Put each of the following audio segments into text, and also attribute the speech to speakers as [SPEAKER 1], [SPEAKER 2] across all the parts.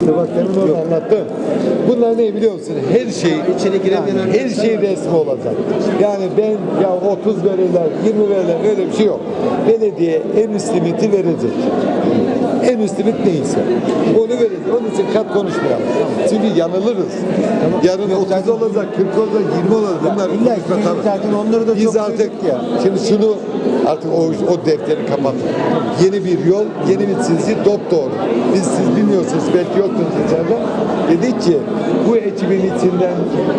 [SPEAKER 1] Bak demin orada anlattım. Bunlar ne biliyor musun? Her şey
[SPEAKER 2] içeri giremeyen
[SPEAKER 1] her şey resmi olacak. Yani ben ya 30 verirler, 20 verirler öyle bir şey yok. Belediye en üst limiti verecek. En üst limit neyse onu verecek. Onun için kat konuşmayalım. Çünkü yanılırız. Yarın 30 olacak, 40 olacak, 20 olacak. Bunlar
[SPEAKER 2] İlla ki zaten onları da
[SPEAKER 1] biz
[SPEAKER 2] çok
[SPEAKER 1] artık
[SPEAKER 2] duyduk ya.
[SPEAKER 1] şimdi şunu artık o defteri kapatın. Yeni bir yol, yeni bir çizgi dopdoğru. Siz bilmiyorsunuz, belki yoktunuz içeride. Dedik ki bu ekibin içinden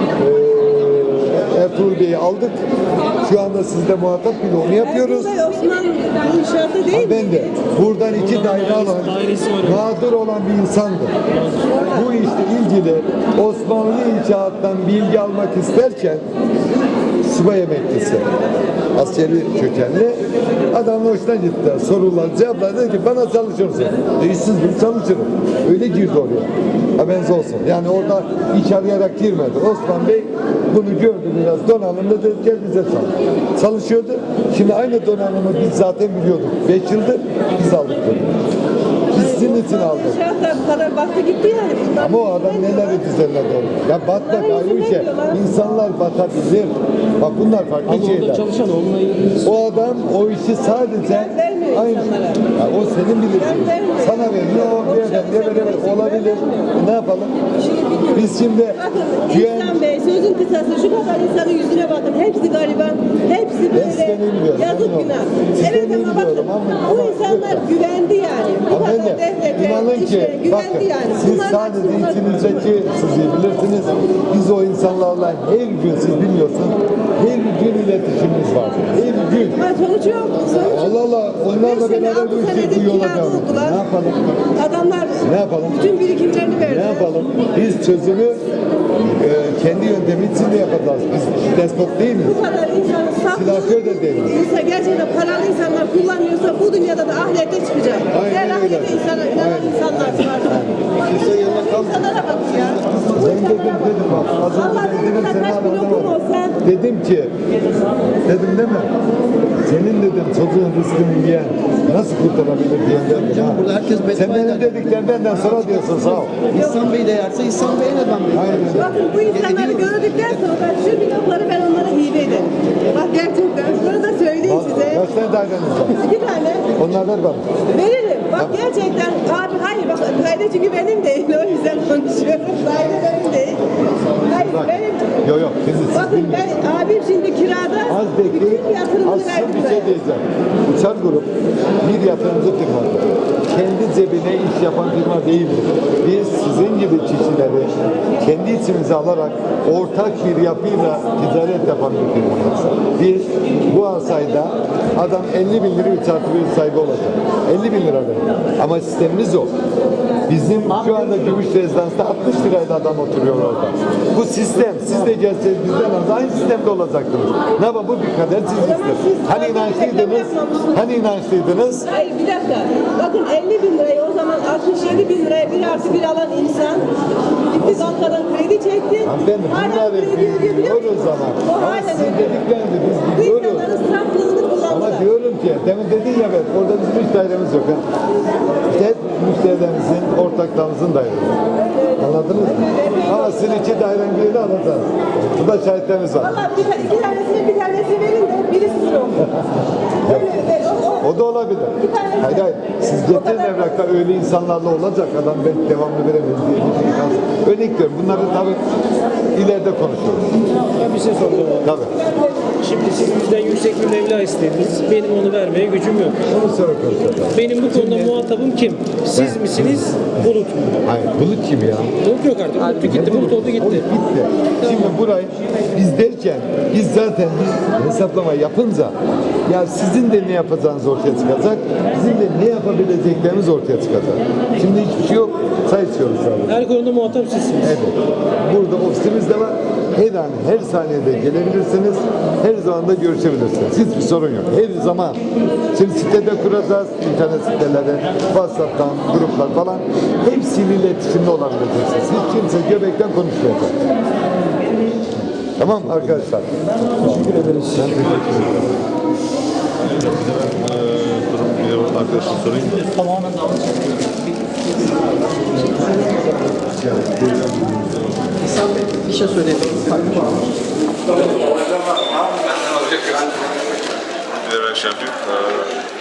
[SPEAKER 1] Ertuğrul Bey'i aldık. Şu anda sizde muhatap bile onu yapıyoruz.
[SPEAKER 3] Osman bu inşaatta değil mi?
[SPEAKER 1] Ben de buradan 2 daire alan, mağdur olan bir insandı. Bu işte ilgili Osmanlı inşaattan bilgi almak isterken subay emeklisi, askeri kökenli adamın hoşuna gitti. Sorular, cevaplar dedi ki bana çalışır mısın? İşsiz bir çalışırım. Öyle girdi oraya. Haberiniz olsun. Yani orada iş arayarak girmedi. Osman Bey bunu gördü biraz donanımda dedi gel bize çalış. Çalışıyordu. Şimdi aynı donanımı biz zaten biliyorduk. 5 yıldır biz aldık dedi. Biz sizin için aldık.
[SPEAKER 3] İnşaatta para baktı gitti yani. Bunlar
[SPEAKER 1] Ama o adam neleri düzenledi onu. Ya batmak ayrı bir şey. İnsanlar batabilir. Bak bunlar farklı şeyler.
[SPEAKER 4] Çalışan onunla ilgili.
[SPEAKER 1] O adam o işi sadece aynı. Ya o senin bilirsin. Sana veriyor, o beyefendiye veremez. Olabilir. Ne yapalım? Biz şimdi güven...
[SPEAKER 3] İhsan Bey sözün kısası şu kadar insanın yüzüne bakın. Hepsi gariban. Hepsi böyle yazık günah. Evet ama bakın bu insanlar güvendi yani. Bu kadar devlete,
[SPEAKER 1] İnanın ki,
[SPEAKER 3] işte, güvendi
[SPEAKER 1] bakın,
[SPEAKER 3] yani.
[SPEAKER 1] siz
[SPEAKER 3] Bunlar
[SPEAKER 1] sadece
[SPEAKER 3] haksızlar.
[SPEAKER 1] içinizdeki siz iyi bilirsiniz. Biz o insanlarla her gün, siz bilmiyorsunuz, her gün iletişimimiz var. Her gün.
[SPEAKER 3] Ama sonuç yok. Sonuç yok.
[SPEAKER 1] Allah Allah, onlarla
[SPEAKER 3] 5 sene,
[SPEAKER 1] beraber
[SPEAKER 3] 6
[SPEAKER 1] bu işi
[SPEAKER 3] senedir
[SPEAKER 1] bu yola
[SPEAKER 3] kirada
[SPEAKER 1] devam ettik.
[SPEAKER 3] oldular.
[SPEAKER 1] Ne yapalım?
[SPEAKER 3] Adamlar
[SPEAKER 1] Ne yapalım?
[SPEAKER 3] bütün birikimlerini verdi.
[SPEAKER 1] Ne yapalım? Biz çözümü kendi yöntemi içinde yapacağız. Biz despot değil miyiz?
[SPEAKER 3] Bu kadar insanın
[SPEAKER 1] Silahkör de değiliz.
[SPEAKER 3] İnsan gerçekten paralı insanlar kullanıyorsa bu dünyada da ahirette çıkacak.
[SPEAKER 1] Aynen
[SPEAKER 3] Eğer
[SPEAKER 1] öyle.
[SPEAKER 3] ahirette inanan insanlar varsa.
[SPEAKER 2] Kimse yanına kalmıyor.
[SPEAKER 3] İnsanlara bak ya. Bu
[SPEAKER 1] Ben
[SPEAKER 3] insanlara bak.
[SPEAKER 1] dedim bak. Az
[SPEAKER 3] Allah
[SPEAKER 1] önce dedim
[SPEAKER 3] bilir
[SPEAKER 1] seni
[SPEAKER 3] kaç bin okum
[SPEAKER 1] anladım.
[SPEAKER 3] olsa.
[SPEAKER 1] Dedim ki, dedim değil mi? Senin dedim çocuğun rızkını yiyen nasıl kurtarabilir diyenler.
[SPEAKER 2] Canım burada herkes
[SPEAKER 1] Sen
[SPEAKER 2] beddua
[SPEAKER 1] benim
[SPEAKER 2] eder.
[SPEAKER 1] dediklerimden sonra diyorsun sağ ol.
[SPEAKER 2] İhsan Bey de yerse İhsan Bey'e neden Bey?
[SPEAKER 1] Aynen.
[SPEAKER 3] Bakın bu insanları gördükten sonra şu blokları ben onlara hibe ederim. Bak gerçekten bunu da söyleyeyim size.
[SPEAKER 1] Kaç tane daireniz var?
[SPEAKER 3] 2 tane
[SPEAKER 1] Onlar ver bana.
[SPEAKER 3] veririm. Bak gerçekten abi hayır bak daire çünkü benim değil o yüzden konuşuyorum. Daire benim değil. Hayır
[SPEAKER 1] Bak.
[SPEAKER 3] benim.
[SPEAKER 1] Yok yok. Siz
[SPEAKER 3] Bakın ben abim şimdi kirada
[SPEAKER 1] az bekleyin.
[SPEAKER 3] bütün yatırımını
[SPEAKER 1] Az
[SPEAKER 3] verdim
[SPEAKER 1] bir şey
[SPEAKER 3] ben.
[SPEAKER 1] diyeceğim. Uçar grup bir yatırımcı firmadır. Kendi cebine iş yapan firma değildir. Biz sizin gibi kişileri kendi içimize alarak ortak bir yapıyla ticaret yapan bir firmayız. Biz bu arsayda adam 50 bin lira 3 artı 1 sahibi olacak. 50 bin lira verir. Ama sistemimiz o. Bizim şu anda Gümüş Rezidans'ta 60 lirayla adam oturuyor orada. Bu sistem, siz de gelseniz bizden aynı sistemde olacaktınız. Ne yapalım bu bir kader çizgisidir. Hani inançlıydınız? Hani inançlıydınız?
[SPEAKER 3] Hayır bir dakika. Bakın 50 bin lirayı o zaman 67 bin liraya 1 artı 1 alan insan gitti bankadan kredi çekti.
[SPEAKER 1] Hanımefendi
[SPEAKER 3] Hala
[SPEAKER 1] bunları
[SPEAKER 3] kredi ödeyebiliyor musun?
[SPEAKER 1] biliyoruz ama.
[SPEAKER 3] O
[SPEAKER 1] Ama
[SPEAKER 3] hala
[SPEAKER 1] sizin
[SPEAKER 3] ödüyor.
[SPEAKER 1] dediklerinizi biz
[SPEAKER 3] Bu
[SPEAKER 1] biliyoruz.
[SPEAKER 3] insanların saflığını
[SPEAKER 1] Ama
[SPEAKER 3] kullandılar.
[SPEAKER 1] diyorum ki, demin dedin ya ben, orada bizim hiç dairemiz yok. Ha? İşte hep müşterilerimizin, ortaklarımızın dairesi. Anladınız mı? Ama sizin 2 dairenin birini alacağız. Bu da şahitlerimiz var.
[SPEAKER 3] Valla iki tanesini bir tanesi verin de biri sizin olsun.
[SPEAKER 1] O da olabilir. Hayır hayır. Siz getirin evrakta öyle insanlarla olacak adam ben devamlı veremem diye bir şey kalsın. Örnek diyorum. Bunları tabii ileride konuşuyoruz.
[SPEAKER 4] Ben bir şey soracağım abi.
[SPEAKER 1] Tabii.
[SPEAKER 4] Şimdi siz bizden yüksek bir meblağ istediniz. Benim onu vermeye gücüm yok.
[SPEAKER 1] Onu sonra konuşacağız.
[SPEAKER 4] Benim bu konuda muhatabım kim? Siz misiniz? Bulut mu?
[SPEAKER 1] Hayır. Bulut kim ya?
[SPEAKER 4] Bulut yok artık. Bulut gitti. Bulut oldu
[SPEAKER 1] O
[SPEAKER 4] gitti.
[SPEAKER 1] gitti. Şimdi burayı biz derken biz zaten bir hesaplama yapınca ya sizin de ne yapacağınız ortaya çıkacak, bizim de ne yapabileceklerimiz ortaya çıkacak. Şimdi hiçbir şey yok. Sayı içiyoruz sadece.
[SPEAKER 4] Her konuda muhatap sizsiniz.
[SPEAKER 1] Evet. Burada ofisimiz de var. Her an, her saniyede gelebilirsiniz. Her zaman da görüşebilirsiniz. Hiçbir sorun yok. Her zaman. Şimdi sitede kuracağız. İnternet siteleri, WhatsApp'tan, gruplar falan. Hepsiyle iletişimde olabileceksiniz. Hiç kimse göbekten konuşmayacak. Tamam mı arkadaşlar? Teşekkür ederiz. Ben teşekkür ederim.
[SPEAKER 5] Durum bir arkadaşım sorayım mı?
[SPEAKER 4] Tamamen
[SPEAKER 2] İhsan Bey bir şey söyleyelim.
[SPEAKER 5] Bir şey yapayım.